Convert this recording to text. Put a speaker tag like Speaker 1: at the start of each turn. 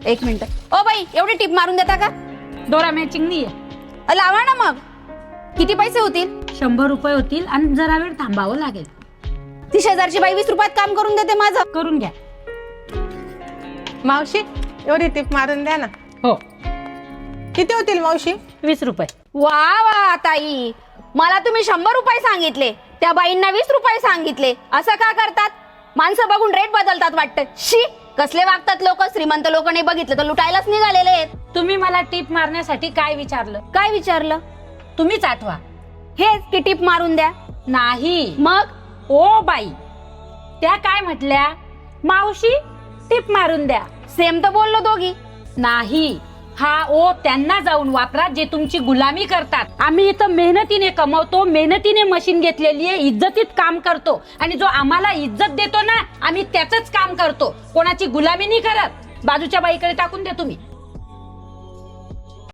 Speaker 1: एक minute. O by, एवढी tip मारून देता का?
Speaker 2: दोरा मॅचिंग नाहीये.
Speaker 1: लावा ना मग. किती पैसे होतील?
Speaker 2: 100 रुपये होतील आणि जरा वेळ थांबावं लागेल.
Speaker 1: ती शेजारची बाई 20 रुपयात काम करून देते माझं.
Speaker 2: करून घ्या.
Speaker 3: मावशी एवढी टिप मारून द्या ना.
Speaker 2: हो.
Speaker 3: किती होतील मावशी?
Speaker 2: 20 रुपये.
Speaker 1: वा वा ताई, मला तुम्ही 100 रुपये सांगितले, त्या बाईंना 20 रुपये सांगितले. असं का करतात? माणसं बघून रेट बदलतात वाटतं. शी, कसले वागतात लोक. श्रीमंत लोक नाही बघितलं तर लुटायलाच निघालेले आहेत.
Speaker 2: तुम्ही मला टिप मारण्यासाठी काय विचारलं?
Speaker 1: काय विचारलं?
Speaker 2: तुम्हीच आठवा.
Speaker 1: हेच की टिप मारून द्या.
Speaker 2: नाही.
Speaker 1: मग
Speaker 2: ओ बाई, त्या काय म्हटल्या? मावशी टिप मारून द्या.
Speaker 1: सेम तर बोललो दोघी.
Speaker 2: नाही, हा ओ त्यांना जाऊन वापरा जे तुमची गुलामी करतात. आम्ही इथं मेहनतीने कमवतो, मेहनतीने मशीन घेतलेली आहे, इज्जतीत काम करतो आणि जो आम्हाला इज्जत देतो ना, आम्ही त्याच काम करतो. कोणाची गुलामी नाही करत. बाजूच्या बाईकडे टाकून द्या तुम्ही.